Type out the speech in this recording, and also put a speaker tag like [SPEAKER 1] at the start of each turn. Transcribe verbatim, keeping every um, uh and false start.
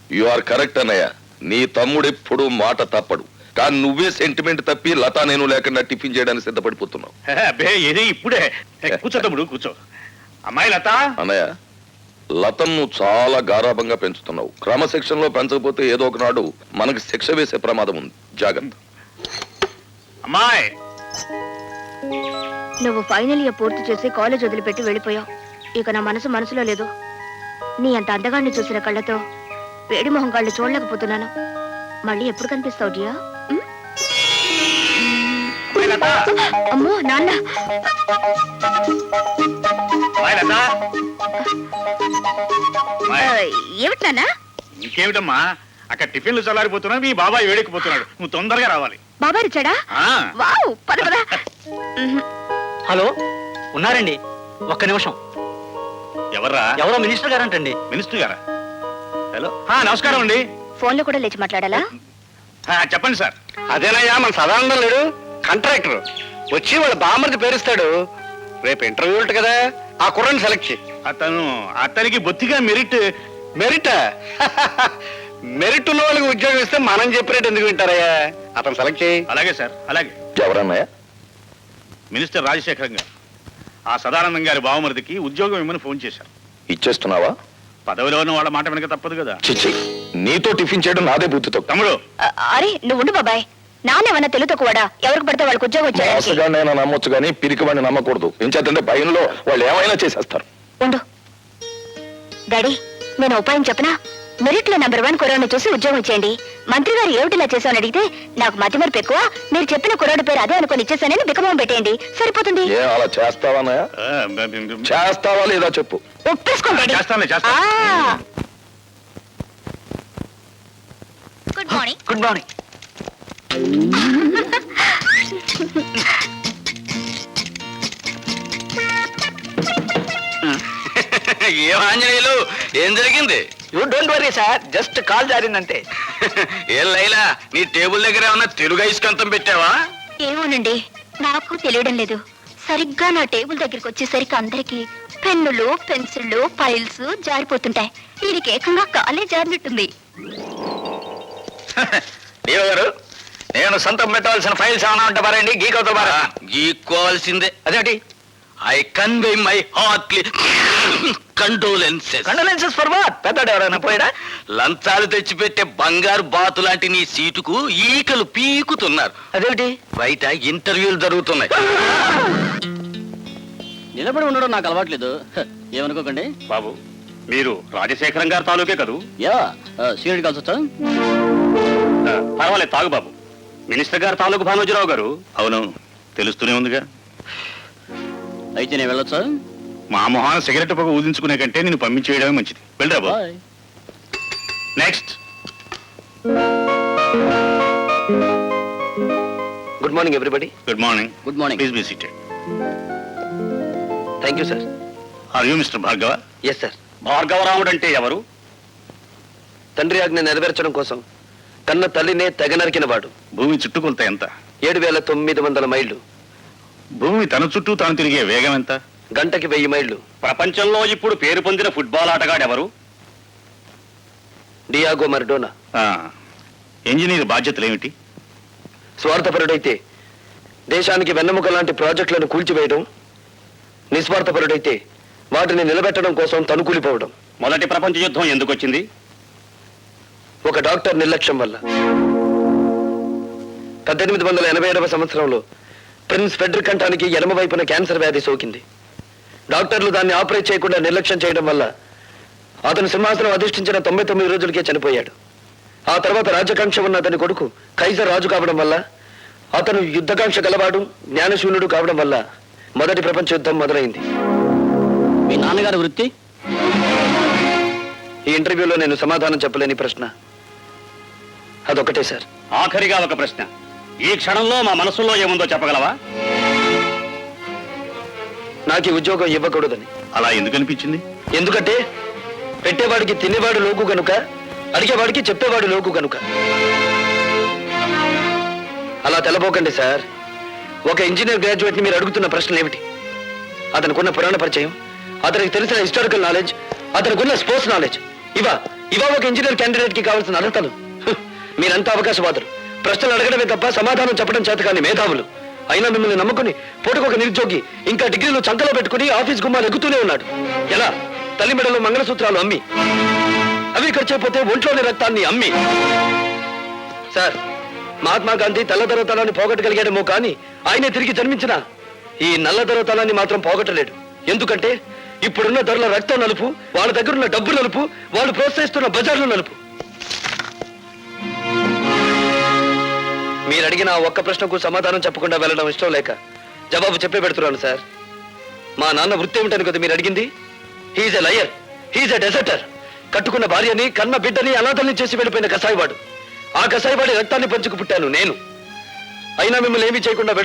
[SPEAKER 1] You are correct అన్నయ్య. నీ తమ్ముడు ఎప్పుడు మాట తప్పడు. కానీ నువ్వే సెంటిమెంట్ తప్పి లతా నేను లేకుండా టిఫిన్ చేయడానికి సిద్ధపడిపోతున్నావు.
[SPEAKER 2] అబ్బే ఏది ఇప్పుడే. కూర్చో తమ్ముడు కూర్చో. అమ్మాయి లత.
[SPEAKER 1] అన్నయ్య, లతను నువ్వు చాలా గారాభంగా పెంచుతున్నావు. క్రమశిక్షణలో పెంచకపోతే ఏదో ఒకనాడు మనకి శిక్ష వేసే ప్రమాదం ఉంది. జాగ్రత్త.
[SPEAKER 2] అమ్మాయి,
[SPEAKER 3] నువ్వు ఫైనల్ ఇయర్ పూర్తి చేసి కాలేజ్ వదిలిపెట్టి వెళ్ళిపోయావు. ఇక నా మనసు మనసులో లేదు. నీ అంత అందగాన్ని చూసిన కళ్ళతో వేడి మొహం కళ్ళు చూడలేకపోతున్నాను. మళ్ళీ ఎప్పుడు కనిపిస్తావు డియా? అమ్మో నాన్న. ఏమిటి నాన్న?
[SPEAKER 2] ఇంకేమిటమ్మా, అక్కడ టిఫిన్లు చల్లారిపోతున్నా, మీ బాబాయ్ వేడెక్కిపోతున్నాడు. నువ్వు తొందరగా రావాలి.
[SPEAKER 3] బాబాయ్ వచ్చాడా? వావ్, పద పద.
[SPEAKER 4] హలో, ఉన్నారండి? ఒక్క నిమిషం.
[SPEAKER 2] ఎవర్రా?
[SPEAKER 4] ఎవరో మినిస్టర్ గారంటండి.
[SPEAKER 2] మినిస్టర్ గారా? హలో, నమస్కారం అండి.
[SPEAKER 3] ఫోన్ లో కూడా లేచి మాట్లాడాలా?
[SPEAKER 2] చెప్పండి సార్.
[SPEAKER 5] అదేనయ్యా మన సదానందం లేడు, కాంట్రాక్టర్ వచ్చి వాళ్ళ బామ్మర్ది పేరుస్తాడు. రేపు ఇంటర్వ్యూ ఉంటుంది కదా, ఆ కుర్రని సెలెక్ట్ చేయి.
[SPEAKER 2] అతను అతనికి బొత్తిగా మెరిట్.
[SPEAKER 5] మెరిట్ మెరిట్ ఉన్న వాళ్ళకి ఉద్యోగం ఇస్తే మనం చెప్పినట్టు ఎందుకు వింటారయ్యా? అతను సెలెక్ట్ చేయి.
[SPEAKER 2] అలాగే సార్, అలాగే.
[SPEAKER 1] ఎవరన్నయ్య?
[SPEAKER 2] మినిస్టర్ రాజశేఖరం గారు ఆ సదానందం గారి బావమరిదికి ఉద్యోగం ఇమ్మని ఫోన్ చేశారు.
[SPEAKER 1] ఇచ్చేస్తున్నావా?
[SPEAKER 2] పదవిలో ఉన్న వాళ్ళ మాట వెనక తప్పదు కదా.
[SPEAKER 1] చిచ్చి, నీతో టిఫిన్ చేయడం నాదే బుద్ధితో.
[SPEAKER 2] తమ్ముడు,
[SPEAKER 3] అరే నువ్వు ఉండు బాబాయ్. నానేమన్నా తెలుతో కూడా ఎవరికి పడితే వాళ్ళకి ఉద్యోగం వచ్చాడు.
[SPEAKER 1] నమ్మొచ్చు కానీ పిరికి వాడిని నమ్మకూడదు. ఏం చేద్దంటే భయంలో వాళ్ళు ఏమైనా చేసేస్తారు.
[SPEAKER 3] ఉండు డాడీ, నేను ఉపాయం చెప్పనా? మెరిట్ లో నెంబర్ వన్ కుర్రాడిని చూసి ఉద్యోగం ఇచ్చేయండి. మంత్రి గారు ఏమిటిలా చేశామని అడిగితే నాకు మతి మరపు ఎక్కువ, మీరు చెప్పిన కుర్రాడి పేరు అదే అనుకుని ఇచ్చేసానని బికమం పెట్టేయండి, సరిపోతుంది.
[SPEAKER 1] ఏ అలా చేస్తావా? చేస్తావా లేదా చెప్పు.
[SPEAKER 3] ఒప్పేసుకోండి. Good morning.
[SPEAKER 4] Good morning.
[SPEAKER 5] ఏం ఆంజనేయులు, ఏం జరిగింది?
[SPEAKER 4] You don't worry sir, just call జారిందంతే.
[SPEAKER 5] ఏం లైలా, నీ టేబుల్ దగ్గర ఏమన్నా తెలుగు ఐస్కంతం పెట్టావా?
[SPEAKER 3] ఏమోనండి, నాకు తెలియడం లేదు. సరిగ్గా నా టేబుల్ దగ్గరికి వచ్చేసరికి అందరికి పెన్నులు, పెన్సిళ్ళు, ఫైల్స్ జారిపోతుంటాయి. వీడికి ఏకంగా కాలే జారినట్టుంది.
[SPEAKER 5] దేవ గారు, నేను సొంతం పెట్టవలసిన ఫైల్స్ ఏమైనా ఉంటే పారండి. గీకవుతా బారా. గీక్కోవాల్సిందే. అదేంటి? I convey my heartly condolences. Condolences for what? పెద్దడు ఎవరైనా పోయాడా? లంచాలు తెచ్చిపెట్టే బంగారు బాతు లాంటి నీ సీటుకు ఈకలు పీకుతున్నారు. అదేంటి? బయట ఇంటర్వ్యూలు జరుగుతున్నాయి.
[SPEAKER 4] నిలబడి ఉండడం నాకు అలవాట్లేదు, ఏమనుకోకండి.
[SPEAKER 2] బాబు, మీరు రాజశేఖరం గారి తాలూకే కదూ?
[SPEAKER 4] యా, సీనియర్ కాల్స్ వచ్చా?
[SPEAKER 2] పర్వాలేదు, తాగు బాబు. మినిస్టర్ గారు తాలూకు భానోజీరావు గారు. అవును, తెలుస్తూనే ఉందిగా.
[SPEAKER 4] అయితే నేను వెళ్ళొచ్చా?
[SPEAKER 2] మా మొహాన సిగరెట్ పొగ ఊదించుకునే కంటే నేను పంపించేయడమే మంచిది. వెళ్ళరా బాబు. Next.
[SPEAKER 5] Good morning everybody.
[SPEAKER 2] Good morning.
[SPEAKER 4] Good morning.
[SPEAKER 2] Please be seated.
[SPEAKER 5] Thank you sir.
[SPEAKER 2] Are you mister Bhargava?
[SPEAKER 5] Yes sir.
[SPEAKER 2] Bhargavaramudu అంటే ఎవరు?
[SPEAKER 5] తండ్రి ఆజ్ఞ నెరవేర్చడం కోసం కన్న తల్లినే తెగ నరికిన వాడు.
[SPEAKER 2] భూమి చుట్టుకొలత ఎంత?
[SPEAKER 5] ఏడు వేల తొమ్మిది వందల మైళ్ళు.
[SPEAKER 2] భూమి తన చుట్టూ తాను తిరిగే వేగం ఎంత?
[SPEAKER 5] గంటకి వెయ్యి మైళ్ళు.
[SPEAKER 2] ప్రపంచంలో ఇప్పుడు పేరు పొందిన ఫుట్బాల్ ఆటగాడు ఎవరు?
[SPEAKER 5] డియాగో మరడోనా.
[SPEAKER 2] ఇంజనీర్ బాధ్యతలు ఏమిటి?
[SPEAKER 5] స్వార్థపరుడైతే దేశానికి వెన్నెముక లాంటి ప్రాజెక్టులను కూల్చివేయడం, నిస్వార్థపరుడైతే వాటిని నిలబెట్టడం కోసం తనుకూలిపోవడం.
[SPEAKER 2] మొదటి ప్రపంచ యుద్ధం ఎందుకు వచ్చింది?
[SPEAKER 5] ఒక డాక్టర్ నిర్లక్ష్యం వల్ల. పద్దెనిమిది వందల ఎనభై ఏడవ సంవత్సరంలో ప్రిన్స్ ఫెడ్రిక్ కంఠానికి ఎడమ వైపున క్యాన్సర్ వ్యాధి సోకింది. డాక్టర్లు దాన్ని ఆపరేట్ చేయకుండా నిర్లక్ష్యం చేయడం వల్ల అతను సింహాసనం అధిష్ఠించిన తొంభై తొమ్మిది రోజులకే చనిపోయాడు. ఆ తర్వాత రాజకాంక్ష ఉన్న అతని కొడుకు కైజర్ రాజు కావడం వల్ల, అతను యుద్ధకాంక్ష గలవాడు, జ్ఞానశూన్యుడు కావడం వల్ల మొదటి ప్రపంచ యుద్ధం మొదలైంది.
[SPEAKER 4] మీ నాన్నగారి వృత్తి?
[SPEAKER 5] ఈ ఇంటర్వ్యూలో నేను సమాధానం చెప్పలేని ప్రశ్న అదొకటే సార్.
[SPEAKER 2] ఆఖరిగా ఒక ప్రశ్న. ఈ క్షణంలో మా మనసులో ఏముందో చెప్పగలవా?
[SPEAKER 5] నాకు ఉద్యోగం ఇవ్వకూడదని.
[SPEAKER 2] అలా ఎందుకు అనిపించింది?
[SPEAKER 5] ఎందుకంటే పెట్టేవాడికి తినేవాడు లోకు గనుక, అడిగేవాడికి చెప్పేవాడు లోకు గనుక. అలా తెలబోకండి సార్. ఒక ఇంజనీర్ గ్రాడ్యుయేట్ ని మీరు అడుగుతున్న ప్రశ్నలు ఏమిటి? అతనికున్న పురాణ పరిచయం, అతనికి తెలిసిన హిస్టారికల్ నాలెడ్జ్, అతనికున్న స్పోర్ట్స్ నాలెడ్జ్, ఇవా ఇవా ఒక ఇంజనీర్ క్యాండిడేట్ కి కావాల్సిన అర్హతలు. హ్, మీరంతా అవకాశవాదులు. ప్రశ్నలు అడగడమే తప్ప సమాధానం చెప్పడం చేత కానీ మేధావులు. అయినా మిమ్మల్ని నమ్ముకుని పూటకొక నిరుద్యోగి ఇంకా డిగ్రీలు చంకలో పెట్టుకుని ఆఫీస్ గుమ్మాలు ఎక్కుతూనే ఉన్నాడు. ఎలా? తల్లి మెడలో మంగళసూత్రాలు అమ్మి, అవి ఖర్చైపోతే ఒంట్లోని రక్తాన్ని అమ్మి. సార్, మహాత్మా గాంధీ తెల్లదొరతనాన్ని పోగొట్టగలిగాడేమో కానీ ఆయనే తిరిగి జన్మించిన ఈ నల్లదొరతనాన్ని మాత్రం పోగొట్టలేడు. ఎందుకంటే ఇప్పుడున్న ధరల రక్తం నలుపు, వాళ్ళ దగ్గరున్న డబ్బు నలుపు, వాళ్ళు ప్రోత్సహిస్తున్న బజార్లు నలుపు. మీరు అడిగిన ఆ ఒక్క ప్రశ్నకు సమాధానం చెప్పకుండా వెళ్ళడం ఇష్టం లేక జవాబు చెప్పే పెడుతున్నాను సార్. మా నాన్న వృత్తి ఏమిటని కదా మీరు అడిగింది? He's a liar, he's a deserter. కట్టుకున్న భార్యని కన్న బిడ్డని అనాథల్ని చేసి వెళ్ళిపోయిన కసాయివాడు. ఆ కసాయివాడి రక్తాన్ని పంచుకు పుట్టాను నేను. అయినా మిమ్మల్ని ఏమీ చేయకుండా